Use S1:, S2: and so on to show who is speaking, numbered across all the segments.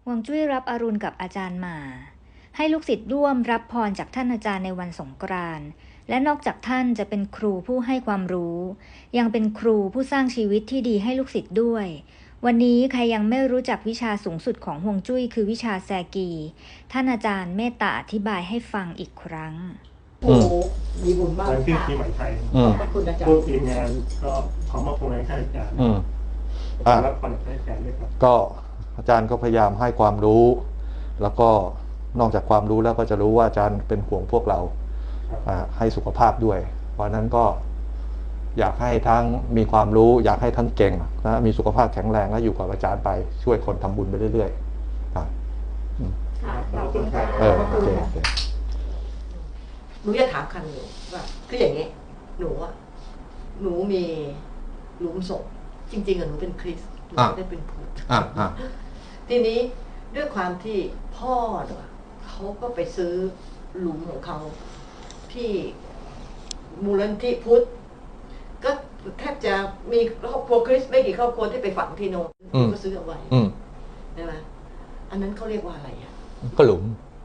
S1: ฮวงจุ้ยรับอรุณกับอาจารย์หมาให้ลูกศิษย์ร่วมรับพรจากท่านอาจารย์ในวันสงกรานต์และนอกจากท่านจะเป็นครูผู้ให้ความรู้ยังเป็นครูผู้สร้างชีวิตที่ดีให้ลูกศิษย์ด้วยวันนี้ใครยังไม่รู้จักวิชาสูงสุดของฮวงจุ้ยคือวิชาแซกีท่านอาจารย์เมตตาอธิบายให้ฟังอีกครั้ง
S2: โอ้มีบุญมาก
S3: วันขึ้นปีใหม่ไทย
S2: ขอบคุณอาจารย์
S3: ผู้ทีมงานก็ขอมอบพวงให้ท่านอาจารย์รับพรจากท่านอาจารย์ด้วยครับ
S4: ก็อาจารย์ก็พยายามให้ความรู้แล้วก็นอกจากความรู้แล้วก็จะรู้ว่าอาจารย์เป็นห่วงพวกเราให้สุขภาพด้วยเพราะนั้นก็อยากให้ทั้งมีความรู้อยากให้ทั้งเก่งนะมีสุขภาพแข็งแรงและอยู่กับอาจารย์ไปช่วยคนทำบุญไปเรื่อยๆ
S2: ขอบคุณค่ะหนูจะถามคำหนูว่าคืออย่างนี้หนูมีหลุมศพจริงๆหนูเป็นคริสต์หนูไม่ได้เป็นพุทธทีนี้ด้วยความที่พ่อเขาก็ไปซื้อหลุมของเขาที่มูลนิธิพุทธก็แทบจะมีครอบครัวคริสต์ไม่กี่ครอบครัวที่ไปฝังที่โน่นก็ซื้อเอาไว้ใช่ไหมอันนั้นเขาเรียกว่าอะไรอ่ะ
S4: ก็หลุม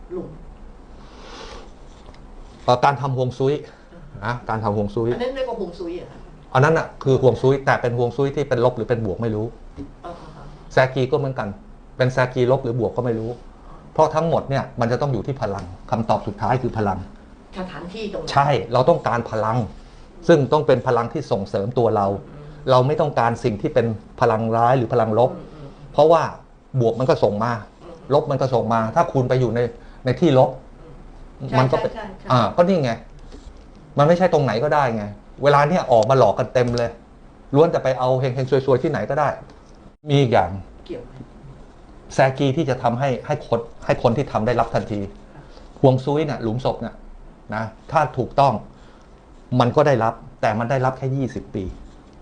S4: การทำฮวงซุยนะการทำฮวงซุย
S2: อันนั้นเรียกว่าฮวงซุยอ่ะ
S4: อันนั้นอ่ะคือฮวงซุยแต่เป็นฮวงซุยที่เป็นลบหรือเป็นบวกไม่รู้แซกีก็เหมือนกันเป็นแซกีลบหรือบวกก็ไม่รู้เพราะทั้งหมดเนี่ยมันจะต้องอยู่ที่พลังคำตอบสุดท้ายคือพลัง
S2: สถานที่ตรงนั้น
S4: ใช่เราต้องการพลังซึ่งต้องเป็นพลังที่ส่งเสริมตัวเราไม่ต้องการสิ่งที่เป็นพลังร้ายหรือพลังลบเพราะว่าบวกมันก็ส่งมาลบมันก็ส่งมาถ้าคุณไปอยู่ในที่ลบมันก็เป็นก็นี่ไงมันไม่ใช่ตรงไหนก็ได้ไงเวลาเนี่ยออกมาหลอกกันเต็มเลยล้วนแต่ไปเอาเฮงๆซวยๆที่ไหนก็ได้มีอีกอย่างแซกีที่จะทำให้คนที่ทำได้รับทันทีฮวงซุยเนี่ยหลุมศพเนี่ยนะถ้าถูกต้องมันก็ได้รับแต่มันได้รับแค่20 ปี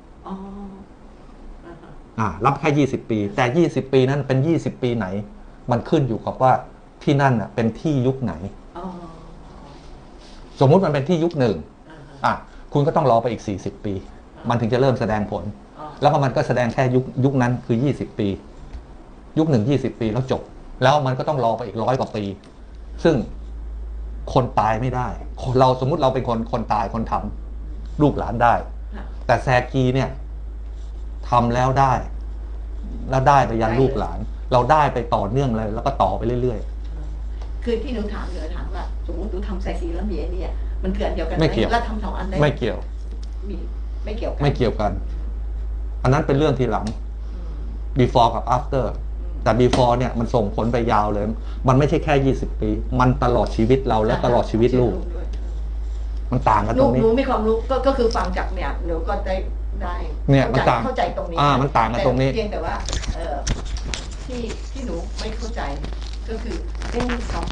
S4: รับแค่20 ปีแต่20 ปีนั้นเป็น20 ปีไหนมันขึ้นอยู่กับว่าที่นั่นเป็นที่ยุคไหนสมมุติมันเป็นที่ยุคหนึ่งคุณก็ต้องรอไปอีก40 ปีมันถึงจะเริ่มแสดงผลแล้วก็มันก็แสดงแค่ยุคนั้นคือ20 ปียุคหนึ่ง20 ปีแล้วจบแล้วมันก็ต้องรอไปอีก100 กว่าปีซึ่งคนตายไม่ได้เราสมมุติเราเป็นคนตายคนทำลูกหลานได้แต่แซกีเนี่ยทำแล้วได้ไปยันลูกหลานเราได้ไปต่อเนื่องเลยแล้วก็ต่อไปเรื่อย
S2: ๆคือที่หนูถามว่าสมมติหนูทำแซกีแล้วมีไอ้นี่มันเกิดเดียวกันไหมแล้วทำ2 อันได้
S4: ไม่เกี่ยว
S2: ไม่เกี่ยว
S4: กันอันนั้นเป็นเรื่องทีหลัง before กับ after แต่ before เนี่ยมันส่งผลไปยาวเลยมันไม่ใช่แค่20 ปีมันตลอดชีวิตเราและตลอดชีวิตลูกมันต่างกันตรงนี้
S2: หนูมีความรู้ก็คือฟังจากเนี่ยหนูก็ได้
S4: เนี่ยมันต่าง
S2: เข้าใจตรงนี้
S4: มันต่างกันตรงนี้
S2: เพียงแต่ว่าที่หนูไม่เข้าใจก็คือเรื่องของ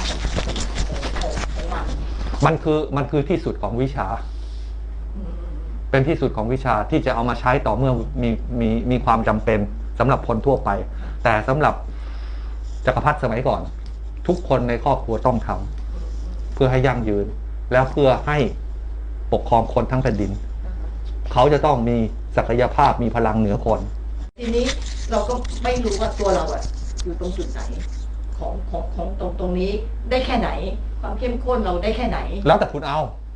S4: มันคือที่สุดของวิชาเป็นที่สุดของวิชาที่จะเอามาใช้ต่อเมื่อมีความจำเป็นสำหรับคนทั่วไปแต่สำหรับจักรพรรดิสมัยก่อนทุกคนในครอบครัวต้องทำเพื่อให้ยั่งยืนแล้วเพื่อให้ปกครองคนทั้งแผ่นดินเขาจะต้องมีศักยภาพมีพลังเหนือคน
S2: ทีนี้เราก็ไม่รู้ว่าตัวเราอยู่ตรงจุดไหนของตรงนี้ได้แค่ไหนความเข้มข้นเราได้แค่ไหน
S4: แล้วแต่คุณเอา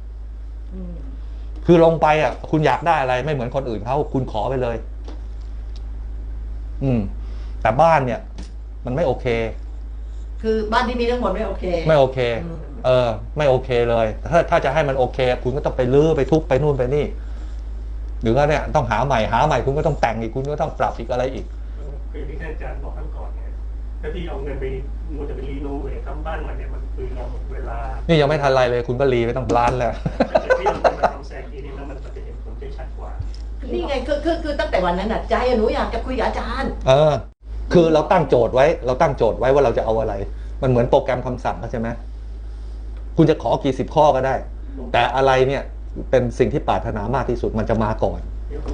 S4: คือลงไปคุณอยากได้อะไรไม่เหมือนคนอื่นเขาคุณขอไปเลยแต่บ้านเนี่ยมันไม่โอเค
S2: คือบ้านที่มีทั้งหมดไม่โอเค
S4: ไม่โอเคไม่โอเคเลยถ้าจะให้มันโอเคคุณก็ต้องไปรื้อไปทุบไปนู่นไปนี่หรือว่าเนี่ยต้องหาใหม่คุณก็ต้องแต่งอีกคุณก็ต้องปรับอีกอะไรอีก
S3: คือที่อาจารย์บอกทั้งก่อนไงถ้าที่เอาเงินไปมันจะไปรีโนเวททำบ้านใหม่เนี่ยมันคือเราหมดเวลา
S4: นี่ยังไม่ทันไรเลยคุณก็รีไปต้องล้านแล้ว
S3: แต่ที่เราไปทำแซกีนี่แล้วมันจะเห็นผลได้ชัดกว่า
S2: นี่ไงคือตั้งแต่วันนั้นใจหนูอยากจะคุยกับอาจารย์
S4: คือเราตั้งโจทย์ไว้ว่าเราจะเอาอะไรมันเหมือนโปรแกรมคำสั่งใช่ไหมคุณจะขอกี่10 ข้อก็ได้แต่อะไรเนี่ยเป็นสิ่งที่ปรารถนามากที่สุดมันจะมาก่อน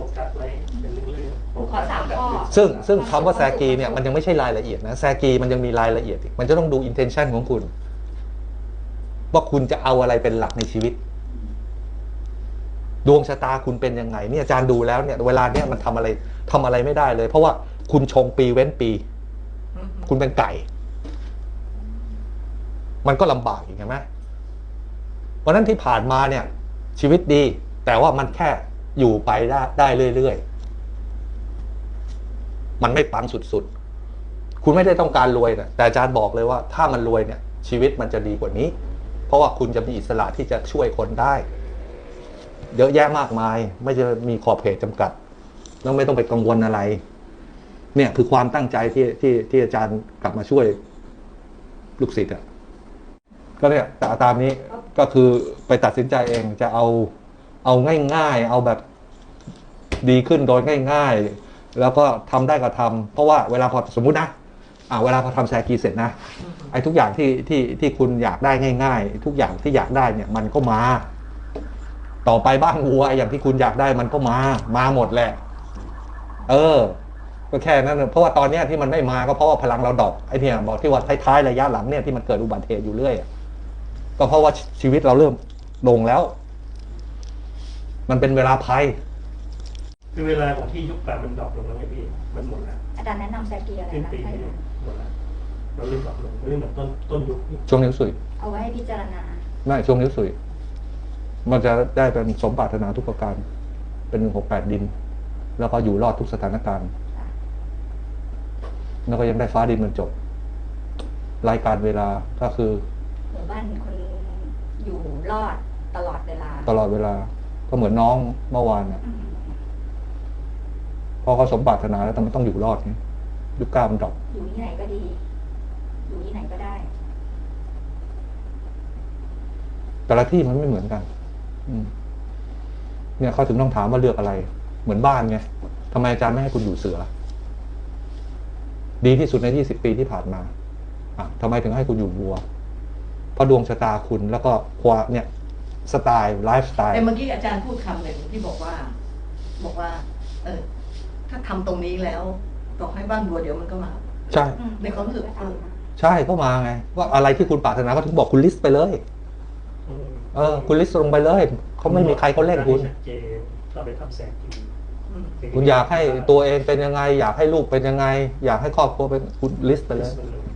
S2: ขอ3 ข้อ
S4: ซึ่งคำว่าแซกีเนี่ยมันยังไม่ใช่รายละเอียดนะแซกีมันยังมีรายละเอียดอีกมันจะต้องดู intention ของคุณว่าคุณจะเอาอะไรเป็นหลักในชีวิตดวงชะตาคุณเป็นยังไงเนี่ยอาจารย์ดูแล้วเนี่ยเวลาเนี่ยมันทำอะไรไม่ได้เลยเพราะว่าคุณชงปีเว้นปีคุณเป็นไก่ มันก็ลำบากอีกใช่ไหมเพราะนั้นที่ผ่านมาเนี่ย ชีวิตดี แต่ว่ามันแค่อยู่ไปได้เรื่อยๆมันไม่ปังสุดๆคุณไม่ได้ต้องการรวยนะแต่อาจารย์บอกเลยว่าถ้ามันรวยเนี่ย ชีวิตมันจะดีกว่านี้ เพราะว่าคุณจะมีอิสระที่จะช่วยคนได้เยอะแยะมากมาย ไม่จะมีขอบเขตจำกัดแล้วไม่ต้องไปกังวลอะไร เนี่ยคือความตั้งใจที่อาจารย์กลับมาช่วยลูกศิษย์อ่ะก็เนี่ยแต่ตามนี้ก็คือไปตัดสินใจเองจะเอาง่ายๆเอาแบบดีขึ้นโดยง่ายๆแล้วก็ทำได้ก็ทำเพราะว่าเวลาพอสมมุตินะเวลาพอทำแซกีเสร็จนะไอ้ทุกอย่างที่คุณอยากได้ง่ายๆทุกอย่างที่อยากได้เนี่ยมันก็มาต่อไปบ้านวัวอย่างที่คุณอยากได้มันก็มาหมดแหละก็แค่นั้นเพราะว่าตอนนี้ที่มันไม่มาก็เพราะว่าพลังเราดรอปไอ้เนี่ยบอกที่ว่าท้ายๆระยะหลังเนี่ยที่มันเกิดอุบัติเหตุอยู่เรื่อยก็เพราะว่าชีวิตเราเริ่มลงแล้ว มันเป็นเวลาภัย
S3: คือเวลาของที่ยุคป่ามันดรอปลงแล้วไงพี่มันหมดแล้ว
S1: อาจารย์แนะนำแซกีอะไร
S3: สิ้น
S1: นะ
S3: ปีหมดแล้วเราเริ่มดรอปลงเริ่มแบบต้นยุค
S4: ช่วงนิ้วสุย
S1: เอาไว้ให้พิจารณา
S4: ไม่ช่วงนิ้วสุยมันจะได้เป็นสมปรารถนาทุกประการเป็น168ดินแล้วก็อยู่รอดทุกสถานการณ์แล้วก็ยังได้ฟ้าดินมันจบรายการเวลาก็คือ
S1: หมู่บ้านคนอยู่รอดตลอดเวลา
S4: ก็เหมือนน้องเมื่อวานนะพอเขาสมปรารถนาแล้วแต่มันต้องอยู่รอดนี่ยุคก้ามันดรอป
S1: อยู่ที่ไหนก็ดีอยู่ที่ไหนก็ได้
S4: แต่ละที่มันไม่เหมือนกันเนี่ยเขาถึงต้องถามว่าเลือกอะไรเหมือนบ้านไงทำไมอาจารย์ไม่ให้คุณอยู่เสือดีที่สุดใน20 ปีที่ผ่านมาทำไมถึงให้คุณอยู่วัวเพราะดวงชะตาคุณแล้วก็ความเนี่ยสไตล์ไลฟ์สไตล์
S2: แต่เมื่อกี้อาจารย์พูดคำหนึ่งที่บอกว่าถ้าทำตรงนี้แล้วต่อให้บ้านวัวเดี๋ยวมันก็มา
S4: ใช่
S2: ในความรู้สึก
S4: ใช่ก็มาไงว่าอะไรที่คุณปรารถนาก็ถึงบอกคุณลิสต์ไปเลยคุณลิสต์ลงไปเลยเขาไม่มีใครเขาเล่นคุณ
S3: เราไปทำแสง
S4: คุณอยากให้ตัวเองเป็นยังไงอยากให้ลูกเป็นยังไงอยากให้ครอบครัวเป็นคุณลิสต์ไปเลย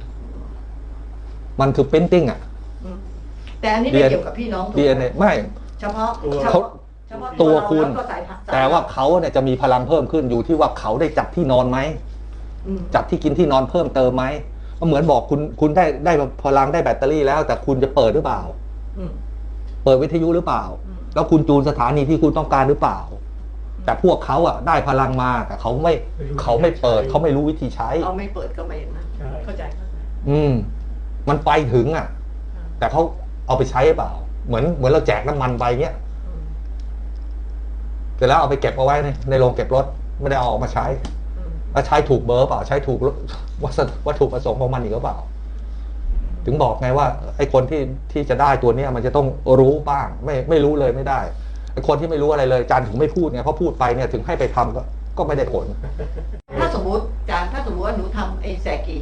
S4: มันคือprinting
S2: แต่อันนี้ไม่เกี่ยวกับพี่น้อง
S4: DNA ไม่
S2: เฉพาะ
S4: ตัวคุณแต่ว่าเขาเนี่ยจะมีพลังเพิ่มขึ้นอยู่ที่ว่าเขาได้จัดที่นอนไหมจัดที่กินที่นอนเพิ่มเติมไหมก็เหมือนบอกคุณได้พลังได้แบตเตอรี่แล้วแต่คุณจะเปิดหรือเปล่าเปิดวิทยุหรือเปล่าแล้วคุณจูนสถานีที่คุณต้องการหรือเปล่าแต่พวกเขาได้พลังมาแต่เขาไม่เปิดเขาไม่รู้วิธีใช้
S2: เขาไม่เปิดก็ไม่นะเข้าใจ
S4: มันไปถึงแต่เขาเอาไปใช้หรือเปล่าเหมือนเราแจกน้ำมันไปเงี้ยเสร็จแล้วเอาไปเก็บเอาไว้ในโรงเก็บรถไม่ได้เอาออกมาใช้แล้วใช้ถูกเบอร์เปล่าใช้ถูกวัตถุประสงค์ของมันอีกหรือเปล่าถึงบอกไงว่าไอ้คนที่จะได้ตัวนี้มันจะต้องรู้บ้างไม่รู้เลยไม่ได้ไอ้คนที่ไม่รู้อะไรเลยอาจารย์ถึงไม่พูดไงเพราะพูดไปเนี่ยถึงให้ไปทำก็ไม่ได้ผล
S2: ถ้าสมมติอาจารย์ถ้าสมมติว่าหนูทำไอ้แซกี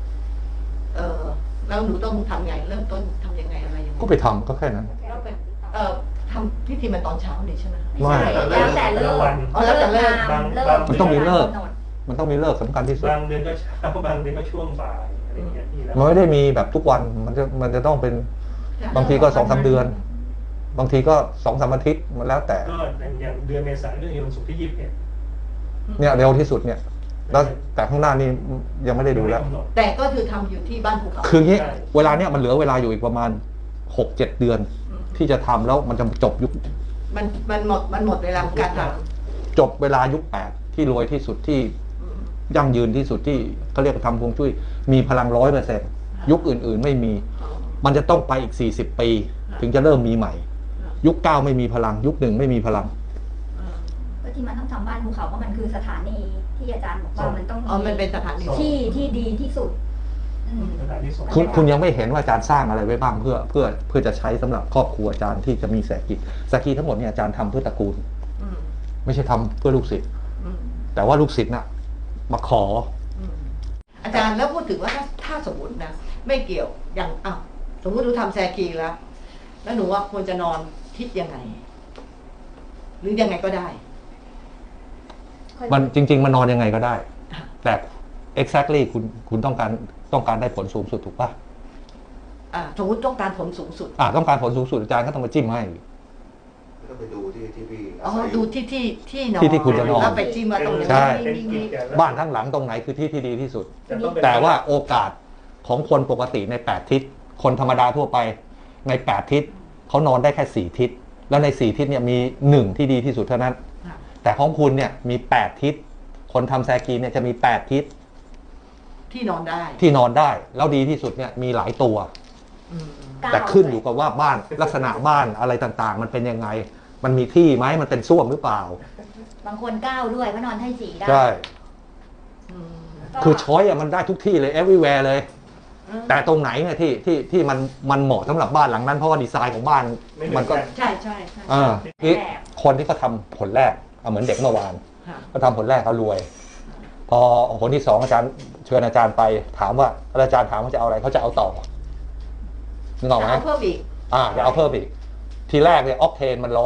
S2: แล้วหนูต้องทำไงเริ่มต้นทำยังไงอะไรยังไง
S4: ก็ไปทำก็แค่นั้น
S2: ทำพิธีมันตอนเช้านี่ใช่ไหม
S4: ไม่
S1: แล้วแต่เลิก
S2: แล้วแต่เลิก
S4: มันต้องมีเลิกมันต้องมีเลิกสำคัญที่สุด
S3: บางเดือนก็เช้าบางเดือนก็ช่วงบ่ายอะไรอย่างเงี้ย
S4: มันไม่ได้มีแบบทุกวันมันจะต้องเป็นบางทีก็2-3 เดือนบางทีก็2-3 อาทิตย์มันแล้วแต่
S3: ก็อย่างเดือนเมษายนเรื่องวันศุกร์ที่21
S4: เนี่ยเร็วที่สุดเนี่ยแล้วแต่ข้างหน้านี่ยังไม่ได้ดูแล้ว
S2: แต่ก็คือทำอยู่ที่บ้านภูเขา
S4: คืองี้เวลาเนี่ยมันเหลือเวลาอยู่อีกประมาณ 6-7 เดือนที่จะทำแล้วมันจะจบยุค
S2: มันหมดเวลาการท
S4: ำจบเวลายุค8ที่รวยที่สุดที่ยั่งยืนที่สุดที่เขาเรียกทำฮวงจุ้ยมีพลัง100%ยุคอื่นๆไม่มีมันจะต้องไปอีก40 ปีถึงจะเริ่มมีใหม่ยุค9ไม่มีพลังยุค1ไม่มีพลัง
S1: ก็ที่มันต้องทำบ้านภูเขาเพราะมันคือสถานีที่อาจารย์บอกว่ามันต้อง
S2: มันเป็นสถานี
S1: ที่ดีที่สุด
S4: คุณยังไม่เห็นว่าอาจารย์สร้างอะไรไว้บ้างเพื่อจะใช้สำหรับครอบครัวอาจารย์ที่จะมีแสกีทั้งหมดเนี่ยอาจารย์ทำเพื่อตระกูลไม่ใช่ทำเพื่อลูกศิษย์แต่ว่าลูกศิษย์น่ะมาขอ
S2: อาจารย์แล้วพูดถึงว่าถ้าสมมตินะไม่เกี่ยวอย่างสมมติหนูทำแซกีแล้วหนูว่าควรจะนอนทิศยังไงหรือยังไงก็ได้
S4: มันจริงๆมันนอนยังไงก็ได้แต่ exactly คุณต้องการได้ผลสูงสุดถูกป่ะ
S2: สมมติต้องการผลสูงสุด
S4: ต้องการผลสูงสุดอาจารย์ก็ต้องมาจิ้มให้
S5: ก็ไปดูที่พี่
S2: ดูที่นอน
S4: ที่คุณจะนอน
S2: แล้วไปจิ้มว่าตรงนี้
S4: ใช่
S2: มี
S4: บ้านทั้งหลังตรงไหนคือที่ดีที่สุด
S3: จะต้องเป็น
S4: แต่ว่าโอกาสของคนปกติใน8ทิศคนธรรมดาทั่วไปใน8ทิศเขานอนได้แค่4ทิศแล้วใน4ทิศเนี่ยมี1ที่ดีที่สุดเท่านั้น
S2: ค่ะ
S4: แต่ของคุณเนี่ยมี8ทิศคนทำแซกีเนี่ยจะมี8ทิศ
S2: ที่นอนได้
S4: ที่นอนได้แล้วดีที่สุดเนี่ยมีหลายตัว
S2: อืม
S4: แต่ขึ้นอยู่กับว่าบ้านลักษณะบ้านอะไรต่างๆ มันเป็นยังไง มันมีที่ไหมมันเป็นส้วมหรือเปล่า
S1: บางคน9ด้วยก็นอนให้สีได้
S4: ใช่
S2: อืม
S1: ก็
S4: คือช้อยมันได้ทุกที่เลย everywhere เลย แต่ตรงไหนเนี่ยที่มันเหมาะสำหรับบ้านหลังนั้นเพราะว่าดีไซน์ของบ้าน
S3: ไม่เหมื
S4: มั
S3: อน น
S4: ก็
S3: กัน
S2: ใช่ใช่
S4: นี่คนที่เขาทำผลแรกเหมือนเด็กเมื่อวาน
S2: ค่ะ
S4: เขาทำผลแรกเขารวย พอผลที่2อาจารย์เชิญอาจารย์ไปถามว่าอาจารย์ถามว่าจะเอาอะไรเขาจะเอาต่อนึกออกไหม
S2: เอาเพิ่มอีก
S4: จะเอาเพิ่มอีกทีแรกเนี่ยออกเทนมัน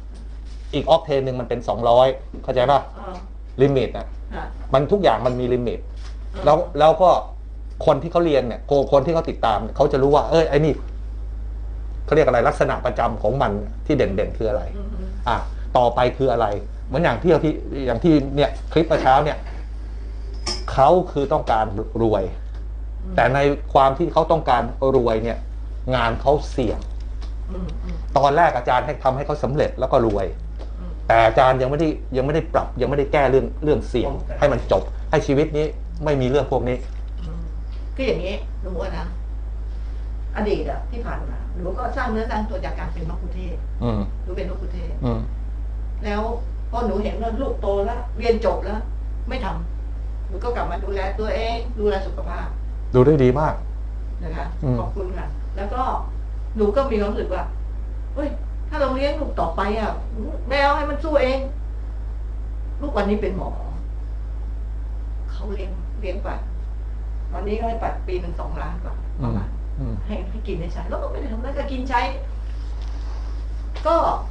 S4: 100อีกออกเทนหนึ่งมันเป็น200เข้าใจป่ะลิมิตนะ
S2: ค่ะ
S4: มันทุกอย่างมันมีลิมิตแล้วก็คนที่เขาเรียนเนี่ยคนที่เขาติดตามเขาจะรู้ว่าไอ้นี่เขาเรียกอะไรลักษณะประจำของมันที่เด่นคืออะไร ต่อไปคืออะไรเหมือนอย่างที่เนี่ยคลิปเมื่อเช้าเนี่ยเขาคือต้องการรวย แต่ในความที่เขาต้องการรวยเนี่ยงานเขาเสี่ยงตอนแรกอาจารย์ให้ทำให้เขาสำเร็จแล้วก็รวย แต่อาจารย์ยังไม่ได้ปรับยังไม่ได้แก้เรื่องเสี่ยงให้มันจบให้ชีวิตนี้ไม่มีเรื่องพวกนี้
S2: คืออย่างนี้หนูนะอดีตอะที่ผ่านมาหนูก็สร้างเนื้อสร้างตัวจากการเป็นมะคุเทศ หนูเป็นมะคุเทศ แล้วพอหนูเห็นว่าลูกโตแล้วเรียนจบแล้ว ไม่ทำหนูก็กลับมาดูแลตัวเองดูแลสุขภาพ
S4: ดูได้ดีมาก
S2: นะคะขอบคุณค่ะ แล้วก็หนูก็มีความรู้สึกว่าเฮ้ยถ้าเราเลี้ยงลูกต่อไปอ่ะแมวให้มันสู้เอง ลูกวันนี้เป็นหมอเขาเลี้ยงปัดวันนี้ก็ให้ปัดปี1 2 ล้านกว่าประมาณให้กินให้ใช้แล้วก็ไม่ได้ทำอะไรก็กินใช้ ก็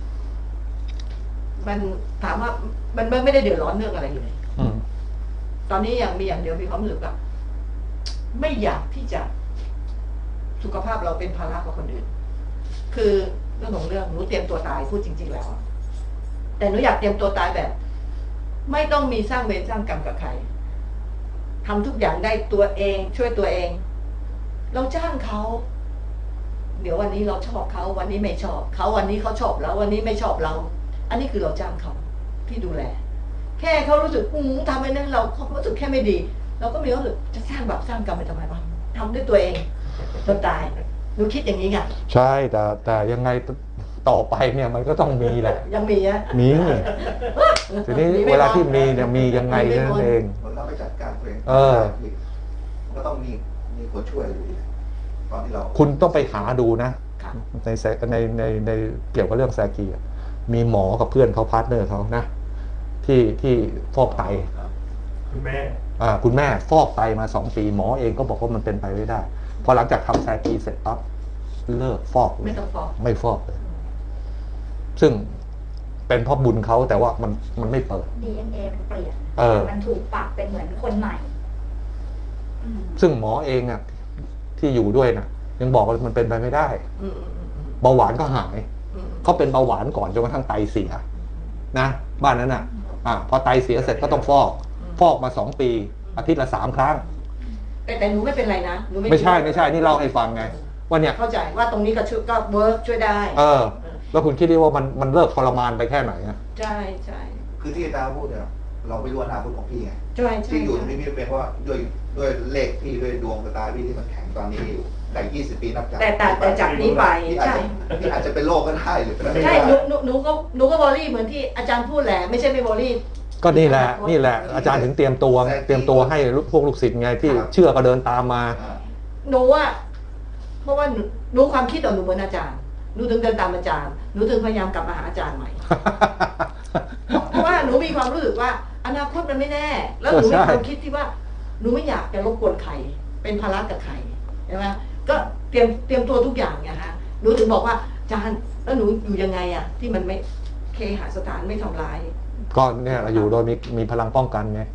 S2: มันถามว่ามันไม่ได้เดือดร้อนเรื่องอะไรเลยตอนนี้มีอย่างเดียวมีความรู้สึกว่าไม่อยากที่จะสุขภาพเราเป็นภาระกับคนอื่น คือเรื่องของเรื่องหนูเตรียมตัวตายพูดจริงๆแล้วแต่หนูอยากเตรียมตัวตายแบบ ไม่ต้องมีสร้างเวรสร้างกรรมกับใครทำทุกอย่างได้ตัวเองช่วยตัวเอง เราจ้างเขาเดี๋ยววันนี้เราชอบเขาวันนี้ไม่ชอบเขาวันนี้เขาชอบเราวันนี้ไม่ชอบเรา อันนี้คือเราจ้างเขาที่ดูแล แค่เขารู้สึกทำไปนั้นเราเขารู้สึกแค่ไม่ดีเราก็มีรู้สึกจะสร้างแบบสร้างกรรมไปทำไมบ้างทำด้วยตัวเองจนตายหนูคิดอย่างนี้ไง
S4: ใช่แต่ยังไงต่อไปเนี่ยมันก็ต้องมีแหละ
S2: ยังมีอะ
S4: มีทีนี้เวลาที่มีเนี่ยมียังไงนั่นเอง
S5: เราไม่จัดการตัวเองก็ต้องมีคนช่วยอยู่ดีตอนที่เรา
S4: คุณต้องไปหาดูนะ
S2: ค่ะ
S4: ในเกี่ยวกับเรื่องแซกีมีหมอกับเพื่อนเขาพาร์ทเนอร์เขานะที่ฟอกไต
S3: คุณแม่
S4: คุณแม่ฟอกไตมา2 ปีหมอเองก็บอกว่ามันเป็นไปไม่ได้พอหลังจากทำแซกีเสร็จปั๊บเลิกฟอกเลย
S2: ไม่ต้องฟอก
S4: ไม่ฟอกเลย ซึ่งเป็นเพราะบุญเขาแต่ว่ามันไม่เปิด
S1: DNA มันเปลี่ยน
S4: เออ
S1: มันถูกปรับเป็นเหมือนคนใหม่
S4: ซึ่งหมอเองอ่ะที่อยู่ด้วยนะยังบอกว่ามันเป็นไปไม่ได้ เบาหวานก็หายเขาเป็นเบาหวานก่อนจนกระทั่งไตเสียนะบ้านนั้นอ่ะพอไตเสียเสร็จก็ต้องฟอกมา2 ปีอาทิตย์ละ3 ครั้ง
S2: แต่หนูไม่เป็นไรนะหนู
S4: ไม่ใช่นี่เล่าให้ฟังไงว่าเนี่ย
S2: เข้าใจว่าตรงนี้ก็ช่วยก็เวิร์กช่วยได้
S4: แล้วคุณคิดดิว่ามันเลิกทรมานไปแค่ไหนอะ
S2: ใช่ใช่
S5: คือที่อาจารย์พูดเนี่ยเราไม่รู้อนาคตของพี่ไง
S2: ใช่ใช่
S5: ที่อยู่ตรงนี้พี่เป็นเพราะว่าด้วยเลขพี่ด้วยดวงชะตาพี่ที่มันแข็งตอนนี้อยู่แต่20 ปีนับจาก
S2: แต่จากนี้ไปใช่
S5: พี่อาจจะเป็นโรคก็ได้หรือเป็นอะไร
S2: ใช่หนูก็บอรี่เหมือนที่อาจารย์พูดแหละไม่ใช่ไม่บอรี่
S4: ก็นี่แหละอาจารย์ถึงเตรียมตัวให้พวกลูกศิษย์ไงที่เชื่อก็เดินตามมา
S2: หนูว่าเพราะว่าหนูความคิดของหนูเหมือนอาจารย์หนูถึงเดินตามอาจารย์หนูถึงพยายามกลับมาหาอาจารย์ใหม่ เพราะว่าหนูมีความรู้สึกว่าอนาคตมันไม่แน่ แล้วหนูมีความคิดที่ว่าหนูไม่อยากจะรบกวนใครเป็นภาระกับใครใช่ไหมก็เตรียมตัวทุกอย่างไงฮะหนูถึงบอกว่าอาจารย์แล้วหนูอยู่ยังไงอะที่มันไม่เคหสถานไม่ทำร้าย
S4: ก็เนี่ยเราอยู่โดยมีพลังป้องกันไง
S2: ก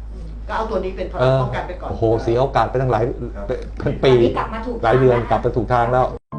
S2: ก็เอาตัวนี้เป็นพลังป้องกันไปก่อน
S4: โอ้โหเสียโอกาสไปตั้งหลายเป็น
S1: ต
S4: ปี
S1: อนนี้กลับมาถูก
S4: หลายเดือน
S1: ทางแล้ว
S4: กลับไปถูกทางแล้ว